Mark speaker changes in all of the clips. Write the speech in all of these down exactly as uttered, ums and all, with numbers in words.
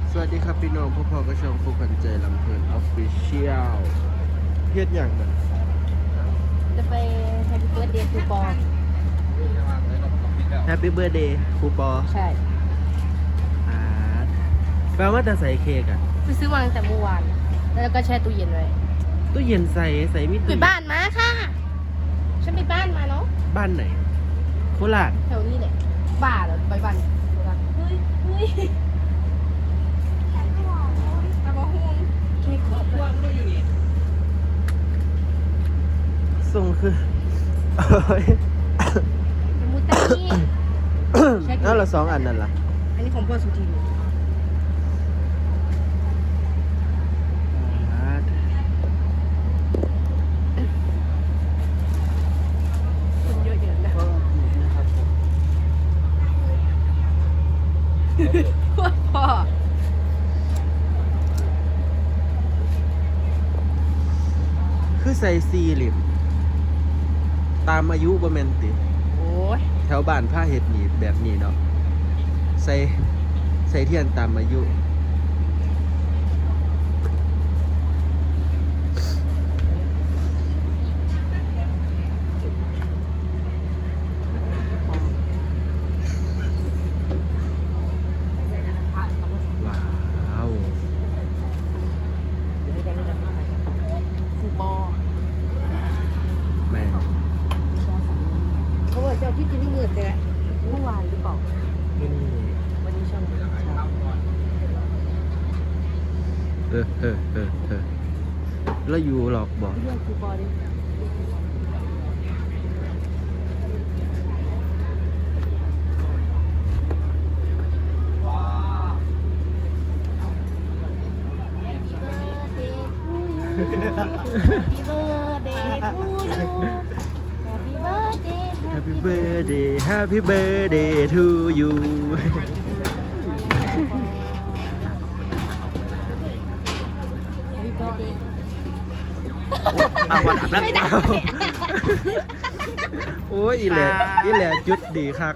Speaker 1: สวัสดีครับพี่น้องพ่อพ่อก็ช่องฟุกกันใจลำเพลินออฟฟิเชียลเฮ็ดอย่างนั้น
Speaker 2: จะไปแฮปปี้เบิร์ดเดย์คูปอง
Speaker 1: แฮปปี้เบิร์ดเดย์ครูปอ
Speaker 2: ใช่
Speaker 1: อ่าแปลว่าจะใส่เค้กอ่ะ
Speaker 2: ไปซื้อมาตั้งแต่เมื่อวาน แล้วก็แช่ตู้เย็นไว้
Speaker 1: ตู้เย็นใส่ใส่มิ
Speaker 2: ไปบ้านมาค่ะ ฉันไปบ้านมาเนาะ
Speaker 1: บ้านไหนโคราช
Speaker 2: แถวนี้แหละบ้าเหรอไปบ้านเฮ้ยเฮ้ยตะบะฮวงเค้กขอบคุณ
Speaker 1: ส่งคือโอ้ย
Speaker 2: มูตานี่
Speaker 1: แล้วเราสองอันนั่นล่ะ
Speaker 2: อันนี้ของพ่อสุธีคนเยอะๆนะพ่อ
Speaker 1: คือใส่ซีลิมตามอายุบ่แม่นติ
Speaker 2: โอ้ย
Speaker 1: แถวบ้านผ้าเห็ดหนีบแบบนี้เนาะใส่ใส่เทียนตามอายุว้าว
Speaker 2: คูปอง
Speaker 1: แม่
Speaker 2: เขาบอกเจ้าที่จริงที่มืดเลยเมื่อวานหรือเปล่า
Speaker 1: นี่
Speaker 2: วันนี้ช่องเช้า
Speaker 1: เออเออเออเออแล้วอยู่หรอกบอก
Speaker 2: เรื่องคูปองดิHappy birthday
Speaker 1: Happy birthday to you
Speaker 2: Happy birthday
Speaker 1: อ้าววันนั้น
Speaker 2: ไม่ได้
Speaker 1: โอ้ยอีแหละอีแหละจุดดีคัก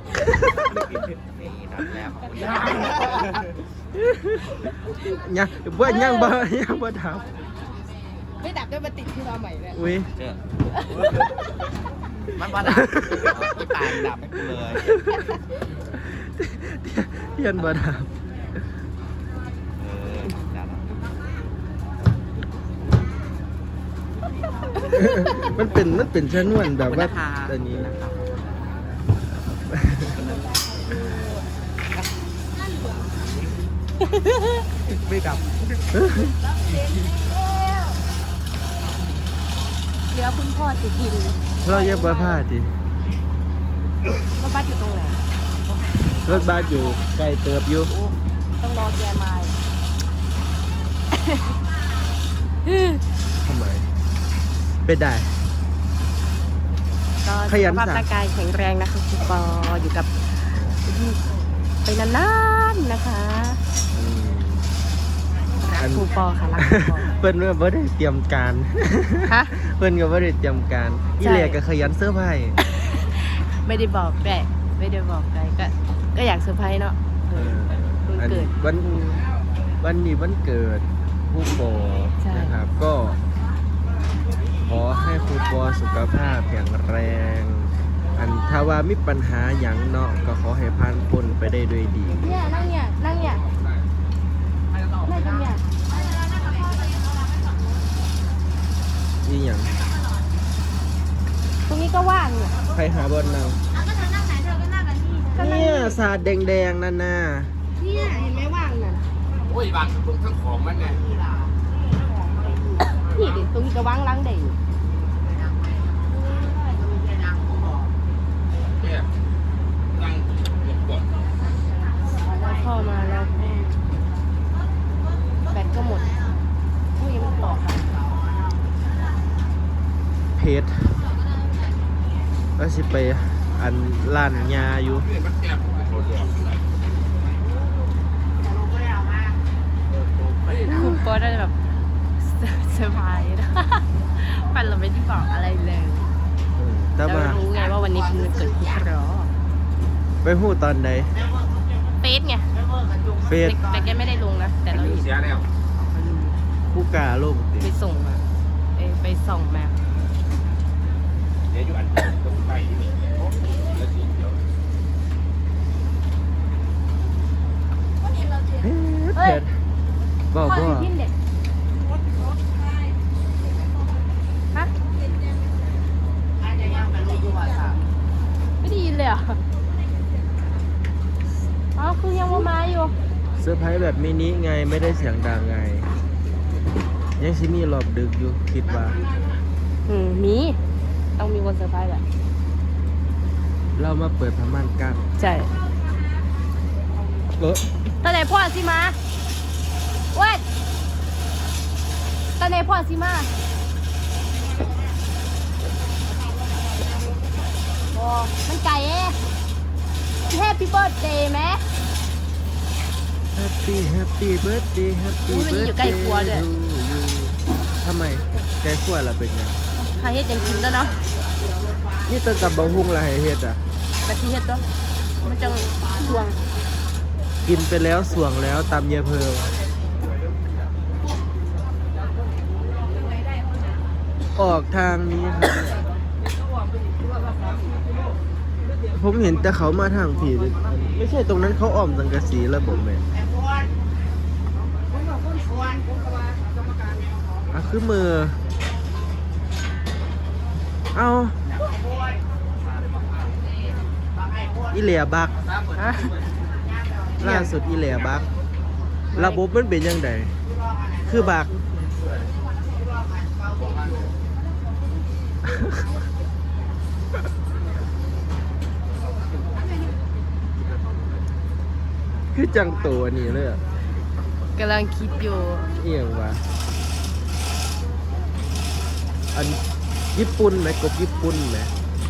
Speaker 1: ยังบ่ยังบ่ยังบ่ถาม
Speaker 2: ไม่ดับด้วยมาติดที่เราใหม่เลย
Speaker 1: อุ้ย
Speaker 3: เจอมันมาดับที่ปากดับให้กูเลย
Speaker 1: เทียนบ่ถาม
Speaker 3: เออดับ
Speaker 1: มันเป็นมันเป็นชนวนแบบว่าอันนี้ไม่กลับ
Speaker 2: เหลือคุณพ่อติดกิน
Speaker 1: เราเย็บบ้าผ้าดิ
Speaker 2: ว่าบ้านอยู่ตรงไหน
Speaker 1: รถบัสอยู่ไกลเติบอยู่
Speaker 2: ต้องรอแกมา
Speaker 1: ทำไมเป็นได้
Speaker 2: ก็
Speaker 1: ขยัน
Speaker 2: สุขภาพ
Speaker 1: สั่ง
Speaker 2: ร่างกายแข็งแรงนะคะคุณปออยู่กับไปนานๆนะคะรักครูปอค่ะรักครูปอ
Speaker 1: เพิ่นก็บ่ได้เตรียมการ
Speaker 2: ฮะ
Speaker 1: เพิ่นก็บ่ได้เตรียมการ
Speaker 2: ใช่
Speaker 1: อีเหลียก็ขยันเสื้อร์ไผ่
Speaker 2: ไม่ได้บอกแหละไม่ได้บอกใครก็ก็อยากเซอร์ไพรส์เนาะเออวันเกิด
Speaker 1: วันวันนี้วันเกิดครูปอ
Speaker 2: ใช่
Speaker 1: นะครับ ก็ ขอให้ครูปอสุขภาพแข็งแรง อันถ้าว่ามีปัญหาหยังเนาะก็ขอให้ผ่านพ้นไปได้ด้วยดี
Speaker 2: เนี่ยนั่งเนี่ยนั่งเนี่ยนั่งตรงเนี่ย
Speaker 1: นี่หยัง
Speaker 2: ตรงนี้ก็ว่างเนี่ย
Speaker 1: ใครหาบนนั่ง
Speaker 2: ก็นั่ง
Speaker 1: เนี่ยสาดแดงๆนั่นน่ะ
Speaker 2: เนี่ยเห็นไหมว่างน่ะ
Speaker 3: โอ้ยบางตรงทั้งของมันไง
Speaker 2: นี่ดิตรงนี้ก็ว่างล้างได้อยู่
Speaker 3: เนี่ยนั่งหลบก่อน
Speaker 2: แล้วพ่อมาแล้วแบตก็หมดผู้ยังไม่ต่อค่ะ
Speaker 1: เพชรก็สิไปอันร้านยาอยู่
Speaker 3: เพื่อนมันแคบโดนหลอก
Speaker 2: คุณปอได้แบบเซอร์ไพรส์นะปันเราไม่ได้บอกอะไรเลย
Speaker 1: แต่
Speaker 2: เรา
Speaker 1: ว่า
Speaker 2: รู้ไงว่าวันนี้เป็นวันเกิดคุณรอ
Speaker 1: ไปหู้ตอนใด
Speaker 2: เฟซไง
Speaker 1: เฟซ
Speaker 2: แต่แต่แกไม่ได้ลงนะแต่
Speaker 3: ยาแล้ว
Speaker 1: ผู้กาโลกติ
Speaker 2: ไปส่งมาเอยไปส่องมา
Speaker 3: เดี๋ยวอยู่อันตรงใต้ที่นี่แล้วสีเขียว
Speaker 1: เผ็ดบอก
Speaker 2: พ่อ
Speaker 1: ว่า
Speaker 2: พิมพ์เด็กฮะไม่ได้ยินเลยเหรอ่ะอ๋อคือยังมามาอยู่
Speaker 1: เซอร์ไพรส์แบบมินิไงไม่ได้เสียงดังไง ยังซิมีรอบดึกอยู่คิดว่า
Speaker 2: อืมมี ต้องมีคนเซอร์ไพรส์แหละ
Speaker 1: เรามาเปิดพม่านกัน
Speaker 2: ใช่
Speaker 1: เออ
Speaker 2: ตอนไหนพ่อสิมาเว้ยตอนไหนพ่อสิมาโอ้มันไก่เอ๊ะแฮปปี้เบิร์ดเดย์ไหม
Speaker 1: แฮปปี้แฮปปี้เบิร์ดเดย์แฮปปี้
Speaker 2: อุ๊ยมัน
Speaker 1: เบิร์ด
Speaker 2: อยู่ใกล้ครัวด้วย
Speaker 1: ทำไมใกล้ครัวล่ะเป็นไง
Speaker 2: ใครเฮ็ดยังกินแล้วเนาะ
Speaker 1: นี่ตั้งแต่บังฮุงละให้เฮ็ดอ่ะ
Speaker 2: กะทิเฮ็ดตัวมันจังทวง
Speaker 1: กินไปแล้วสวงแล้วตำเยเพอออกทางนี้ครับผมเห็นแต่เขามาทางผีเลยไม่ใช่ตรงนั้นเขาอ้อมสังกะสีแล้วผมแม่อ่ะคือมือ เอาอีเหลียบัก
Speaker 2: ฮะ
Speaker 1: ล่าสุดอีเหลียบัก ระบบมันเป็นยังไงคือบัก คือจังตัวนี่เลยอะ
Speaker 2: กำลังคิดอยู่
Speaker 1: เอียงวะอันญี่ปุ่นไหมกบญี่ปุ่นไหม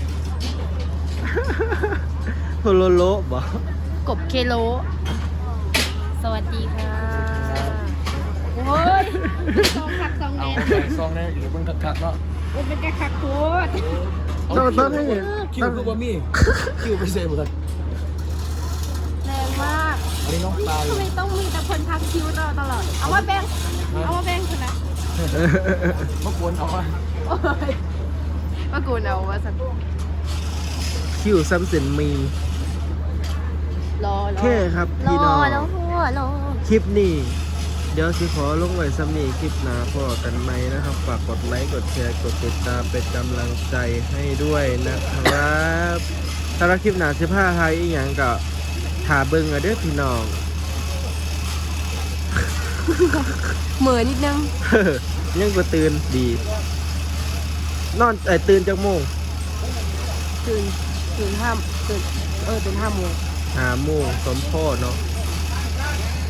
Speaker 1: โฮโลโลบอ
Speaker 2: กบเคโล สวัสดีค่ะ โอ้ยสองคักสองแน
Speaker 3: เอา
Speaker 2: น
Speaker 3: แบ่งซองได้หรือมึงคักๆเนาะ
Speaker 2: มันเป็นแกคักโคตร
Speaker 1: ต้องต้องให้เห็น
Speaker 3: คิว
Speaker 1: ต้อง
Speaker 3: คือบ่มีคิวไปเซฟหมด
Speaker 2: แรงมาก
Speaker 3: อันนี้น้องปลา
Speaker 2: ทำไมต้องมีแต่คนทักคิวตลอดตลอด เอามาแบ่งเอามาแบ่งคุณนะ
Speaker 3: เมื่อควรเอามา
Speaker 2: โอ้ยว่ากูเอาว่าสัก
Speaker 1: คิวซัมเซนมี
Speaker 2: รอรอ
Speaker 1: แค่ครับพี่น้อง
Speaker 2: รอแล้วหัวรอ
Speaker 1: คลิปนี้เดี๋ยวสิขอลงไว้ซ้ำนี้คลิปหน้าพอกันไหมนะครับ ฝากกดไลค์ กดแชร์ กดติดตามเป็นกำลังใจให้ด้วยนะครับสำหรับคลิปหน้าสิบห้าไทยอีกอย่างก็ถาเบิ่งเอาเด้อพี่น้อง
Speaker 2: เหมือนนิดนึง
Speaker 1: ยังก็ตื่นดี นอนเอ้ยตื่นจากโมง
Speaker 2: ตื่นตื่นห้าตื่นเออตื่นห้าโมง
Speaker 1: หาโมงสมโพธเนาะ